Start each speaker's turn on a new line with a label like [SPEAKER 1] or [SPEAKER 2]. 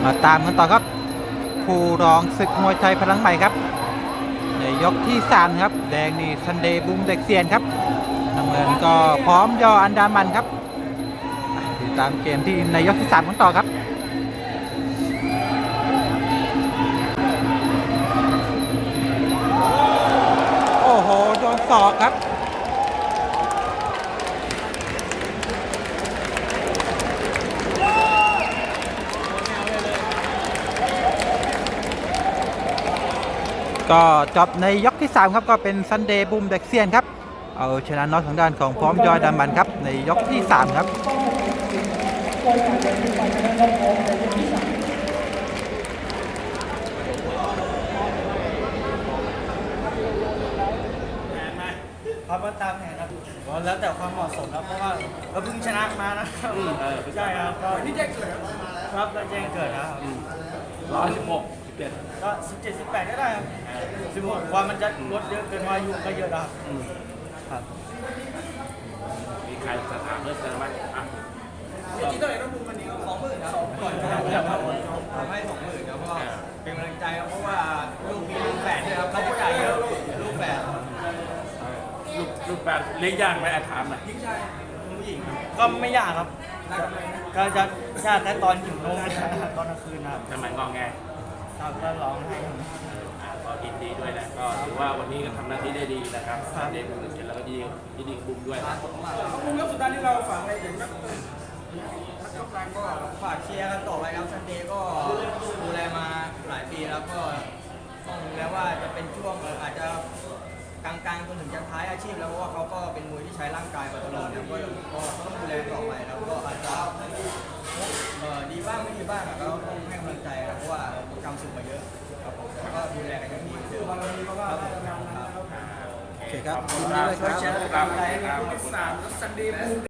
[SPEAKER 1] มาตามกันต่อครับผู้รองศึกมวยไทยพลังใหม่ครับในยกที่3ครับแดงนี่ซันเดย์บุ้มเด็กเซียนครับน้ำเงินก็พร้อมยออันดามันครับติดตามเกมที่ในยกที่3กันต่อครับโอ้โหโดนศอกครับก็จบในยกที่3ครับก็เป็นซันเดย์บูมเด็กเซียนครับเอาชนะน็อกทางด้านของพร้อมยอยดามันครับในยกที่3ครับ
[SPEAKER 2] ครับก็ตามแผนครับแล้วแต่ความเหมาะสมครับเพราะว่าเราเพิ่งชนะมานะครับใช่ครับก็ที่แจ้งเกิดครับเราแจ้งเกิดนะครับ116 17ก็17 18ก็ได้ครับ16ความมันจะลดเยอะเกินอายุก็เยอะครับ
[SPEAKER 3] มีใครจะถามเรื่องอะไรไหมอ่ะ
[SPEAKER 2] จริงๆต้องเห็นว่ามุมวันนี้20,000ครับก่อนครับทำให้20,000ครับเพราะว่าเป็นกำลังใจครับเพราะว่าลูกมีลูกแฝดด้วยครับเขาผู้ใหญ่เยอะลูกแฝด
[SPEAKER 3] ลูกแปดเลี้ยงยากไหมถามหน่อย
[SPEAKER 2] ยิ่งชายผู้หญิงก็ไม่ยากครับก็จะยากแต่ตอนหิวนมตอนกลางคืนนะครับ
[SPEAKER 3] ทำไมงอแง
[SPEAKER 2] ครับก็ร้องให้
[SPEAKER 3] ก็ยินดีด้วยนะก็ถือว่าวันนี้ก็ทำหน้าที่ได้ดีนะครับเด็กเสร็จแล้วก็ยินดีกับบุ้มด้วยนะ
[SPEAKER 2] มุมยกสุดท้ายที่เราฝากอะไรถึงนักกำลังก็ฝากเชียร์กันต่อไปครับซันเดย์ก็ดูแลมาหลายปีแล้วก็ต้องดูแลว่าจะเป็นช่วงอาจจะกลางๆจนถึงจะท้ายอาชีพแล้วเพราะว่าเขาก็เป็นมวยที่ใช้ร่างกายมาตลอดแล้วก็ต้องดูแลต่อไปแล้วก็อาจจะดีบ้างไม่ดีบ้างก็ต้องให้กำลังใจครับเพราะว่าทำสึกมาเยอะครับผมก็ดูแลกันอย่างดีครับ
[SPEAKER 1] โอเคครับ
[SPEAKER 3] ขอบคุณมากครับ